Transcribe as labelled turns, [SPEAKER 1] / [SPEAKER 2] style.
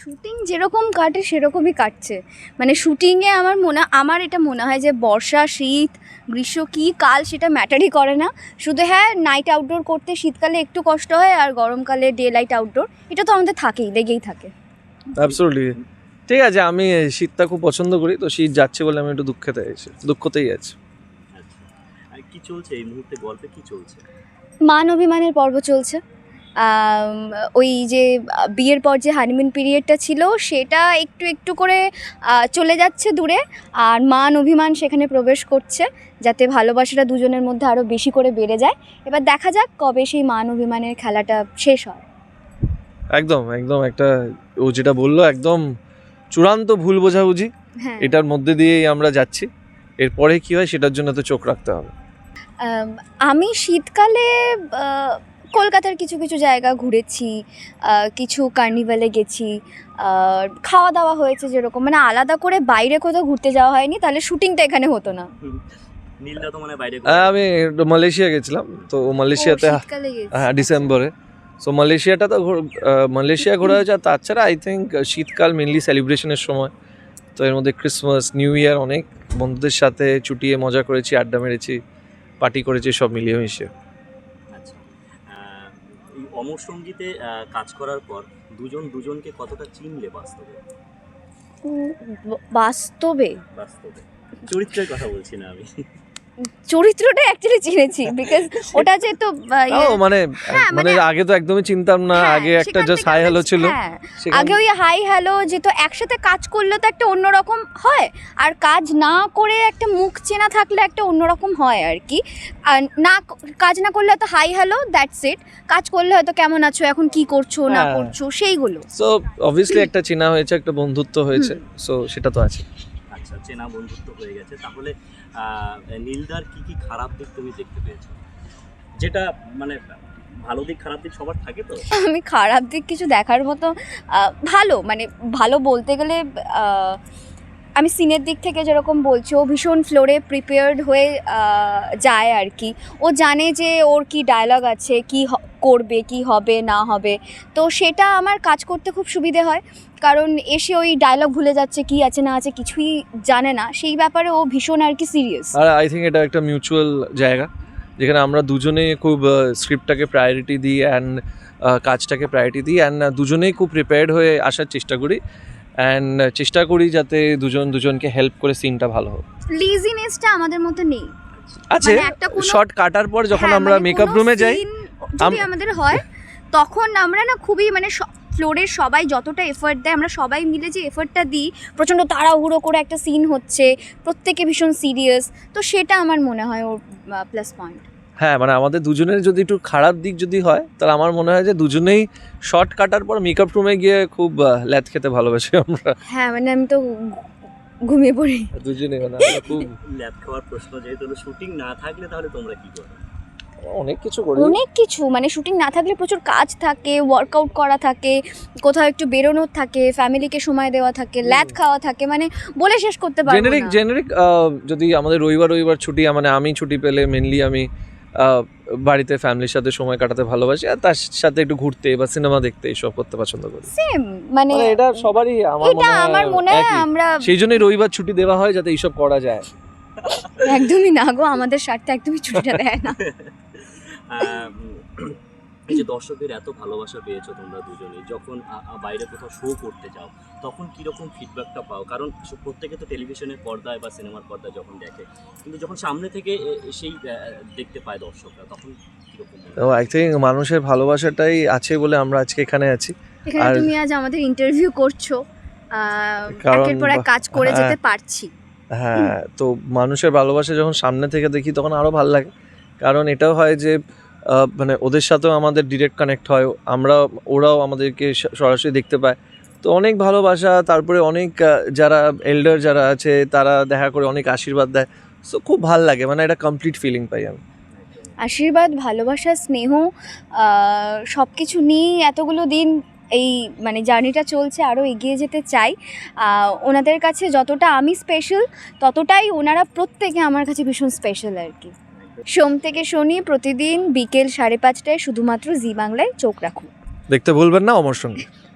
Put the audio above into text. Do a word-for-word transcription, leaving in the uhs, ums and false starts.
[SPEAKER 1] Shooting যেরকম কাটে সেরকমই কাটছে, মানে শুটিংয়ে আমার মনে আমার এটা মনে হয় যে বর্ষা শীত গ্রীষ্ম কী কাল সেটা ম্যাটারই করে না, শুধু হ্যাঁ নাইট আউটডোর করতে শীতকালে একটু কষ্ট হয় আর গরমকালে ডে লাইট আউটডোর এটা তো আমাদের থাকেই, লেগেই থাকে।
[SPEAKER 2] অ্যাবসলিউটলি ঠিক আছে, আমি শীতটা খুব পছন্দ করি, তো শীত যাচ্ছে বলে আমি একটু দুঃখেতে আছি, দুঃখতেই আছি।
[SPEAKER 3] আচ্ছা, আর কি চলছে এই মুহূর্তে, গল্পে কি চলছে?
[SPEAKER 1] মান অভিমানের পর্ব চলছে। ওই যে বিয়ের পর যে হানিমুন পিরিয়ডটা ছিল সেটা একটু একটু করে চলে যাচ্ছে দূরে, আর মান অভিমান সেখানে প্রবেশ করছে যাতে ভালোবাসাটা দুজনের মধ্যে আরও বেশি করে বেড়ে যায়। এবার দেখা যাক কবে সেই মান অভিমানের খেলাটা শেষ হয়।
[SPEAKER 2] একদম একদম একটা ও যেটা বললো একদম চূড়ান্ত ভুল বোঝাবুঝি,
[SPEAKER 1] হ্যাঁ,
[SPEAKER 2] এটার মধ্যে দিয়েই আমরা যাচ্ছি, এরপরে কি হয় সেটার জন্য তো চোখ রাখতে হবে।
[SPEAKER 1] আমি শীতকালে কলকাতার কিছু কিছু জায়গা ঘুরেছি, কিছু কার্নিভালে গেছি, খাওয়া দাওয়া হয়েছে যেরকম, মানে আলাদা করে বাইরে কোথাও ঘুরতে যাওয়া হয়নি, তাহলে শুটিংটা এখানে হতো না।
[SPEAKER 3] নীলদা তো মানে বাইরে
[SPEAKER 2] আমি মালয়েশিয়া গেছিলাম, তো মালয়েশিয়াতে হ্যাঁ ডিসেম্বরে, সো মালয়েশিয়াটা তো মালয়েশিয়া ঘোরা হয়েছে। আর তাছাড়া আই থিঙ্ক শীতকাল মেনলি সেলিব্রেশনের সময়, তো এর মধ্যে ক্রিসমাস নিউ ইয়ার অনেক বন্ধুদের সাথে চুটিয়ে মজা করেছি, আড্ডা মেরেছি, পার্টি করেছি, সব মিলিয়ে মিশিয়ে।
[SPEAKER 3] আচ্ছা, এই অমর সঙ্গীতে কাজ করার পর দুজন দুজনকে কতটা চিনলে বাস্তবে?
[SPEAKER 1] বাস্তবে
[SPEAKER 3] বাস্তবে চরিত্রের কথা বলছি না আমি,
[SPEAKER 1] চরিত্রটা অ্যাকচুয়ালি চিনেছি, বিকজ ওটা যেহেতু
[SPEAKER 2] মানে মানে আগে তো একদমই চিনতাম না, আগে একটা জাস্ট হাই হ্যালো ছিল,
[SPEAKER 1] আগে ওই হাই হ্যালো যেহেতু একসাথে কাজ করলে তো একটা অন্যরকম হয়, আর কাজ না করে একটা মুখ চেনা থাকলে একটা অন্যরকম হয় আর কি। আর না কাজ না করলে হয়তো হাই হ্যালো দ্যাটস ইট, কাজ করলে হয়তো কেমন আছো, এখন কি করছো না করছো সেইগুলো।
[SPEAKER 2] সো অবভিয়াসলি একটা চেনা হয়েছে, একটা বন্ধুত্ব হয়েছে, সো সেটা তো আছে।
[SPEAKER 3] আচ্ছা, চেনা বন্ধুত্ব হয়ে গেছে, তাহলে নীলদার কি কি খারাপ দিক তুমি দেখতে পেয়েছো? যেটা মানে ভালো দিক খারাপ দিক সবার থাকে, তো
[SPEAKER 1] আমি খারাপ দিক কিছু দেখার মতো ভালো, মানে ভালো বলতে গেলে আমি সিনের দিক থেকে যেরকম বলছি, ও ভীষণ ফ্লোরে প্রিপেয়ার্ড হয়ে যায় আর কি, ও জানে যে ওর কি ডায়লগ আছে, কি করবে কি হবে না হবে, তো সেটা আমার কাজ করতে খুব সুবিধে হয়, কারণ এসে ওই ডায়লগ ভুলে যাচ্ছে, কি আছে না আছে কিছুই জানে না, সেই ব্যাপারে ও ভীষণ আর কি সিরিয়াস।
[SPEAKER 2] আর আই থিঙ্ক এটা একটা মিউচুয়াল জায়গা যেখানে আমরা দুজনেই খুব স্ক্রিপ্টটাকে প্রায়োরিটি দিই অ্যান্ড কাজটাকে প্রায়োরিটি দিই, অ্যান্ড দুজনেই খুব প্রিপেয়ার্ড হয়ে আসার চেষ্টা করি, অ্যান্ড চেষ্টা করি যাতে দুজন দুজনকে হেল্প করে সিনটা ভালো হোক।
[SPEAKER 1] লেজিনেসটা আমাদের মধ্যে নেই,
[SPEAKER 2] আছে শর্ট কাটার পর যখন আমরা মেকআপ রুমে যাই
[SPEAKER 1] যদি আমাদের হয় তখন আমরা না খুবই মানে ফ্লোরের সবাই যতটা এফর্ট দেয় আমরা সবাই মিলে যে এফর্টটা দিই, প্রচণ্ড তাড়াহুড়ো করে একটা সিন হচ্ছে, প্রত্যেকে ভীষণ সিরিয়াস, তো সেটা আমার মনে হয় ওর প্লাস পয়েন্ট।
[SPEAKER 2] হ্যাঁ, মানে আমাদের দুজনের যদি একটু খারাপ দিক যদি হয় তাহলে আমার মনে হয় যে দুজনেই শর্ট কাটার পর মেকআপ রুমে গিয়ে খুব ল্যাদ খেতে ভালোবাসি আমরা।
[SPEAKER 1] হ্যাঁ, মানে আমি তো ঘুমিয়ে পড়ি
[SPEAKER 2] দুজনেই, মানে খুব
[SPEAKER 3] ল্যাদ খাওয়ার প্রশ্ন যেহেতু শুটিং না থাকলে তাহলে তোমরা কি করো?
[SPEAKER 2] অনেক কিছু করি,
[SPEAKER 1] অনেক কিছু, মানে শুটিং না থাকলে প্রচুর কাজ থাকে, ওয়ার্কআউট করা থাকে, কোথাও একটু বেরোনোর থাকে, ফ্যামিলিকে সময় দেওয়া থাকে, ল্যাদ খাওয়া থাকে, মানে বলে শেষ করতে পারবো না।
[SPEAKER 2] জেনারিক জেনারিক যদি আমাদের রবিবার রবিবার ছুটি, মানে আমি ছুটি পেলে মেনলি আমি বাড়িতে ফ্যামিলির সাথে সময় কাটাতে ভালোবাসি, আর তার সাথে একটু ঘুরতে বা সিনেমা দেখতে এইসব করতে পছন্দ করি।
[SPEAKER 1] সেম, মানে
[SPEAKER 2] এটা সবারই আমার মনে হয়,
[SPEAKER 1] আমার মনে হয় আমরা
[SPEAKER 2] সেই জন্যই রবিবার ছুটি দেওয়া হয় যাতে এইসব করা যায়।
[SPEAKER 1] একদমই না গো, আমাদের স্বার্থে একদমই ছুটিটা দেয় না।
[SPEAKER 3] এই যে দর্শকদের এত ভালোবাসা পেয়েছো তোমরা দুজনেই, যখন বাইরে কোথাও শো করতে যাও তখন কীরকম ফিডব্যাকটা পাও? কারণ প্রত্যেকে তো টেলিভিশনের পর্দায় বা সিনেমার পর্দায় যখন দেখে, কিন্তু যখন সামনে থেকে সেই দেখতে পায় দর্শকরা তখন কীরকম?
[SPEAKER 2] আই থিঙ্ক মানুষের ভালোবাসাটাই আছে বলে আমরা আজকে এখানে আছি,
[SPEAKER 1] আর তুমি আজ আমাদের ইন্টারভিউ করছো, একের পর এক কাজ করে যেতে পারছি।
[SPEAKER 2] হ্যাঁ, তো মানুষের ভালোবাসা যখন সামনে থেকে দেখি তখন আরও ভালো লাগে, কারণ এটাও হয় যে মানে ওদের সাথেও আমাদের ডিরেক্ট কানেক্ট হয়, আমরা ওরাও আমাদেরকে সরাসরি দেখতে পায়, তো অনেক ভালোবাসা, তারপরে অনেক যারা এল্ডার যারা আছে তারা দেখা করে অনেক আশীর্বাদ দেয়, সো খুব ভালো লাগে, মানে একটা কমপ্লিট ফিলিং পাই আমি।
[SPEAKER 1] আশীর্বাদ, ভালোবাসা, স্নেহ সব কিছু নিয়ে এতগুলো দিন এই মানে জার্নিটা চলছে, আরও এগিয়ে যেতে চাই। ওনাদের কাছে যতটা আমি স্পেশাল ততটাই ওনারা প্রত্যেকে আমার কাছে ভীষণ স্পেশাল আর কি। সোম থেকে শনি প্রতিদিন বিকেল সাড়ে পাঁচটায় শুধুমাত্র জি বাংলায় চোখ রাখুন।
[SPEAKER 2] দেখতে ভুলবেন না অমর সঙ্গী।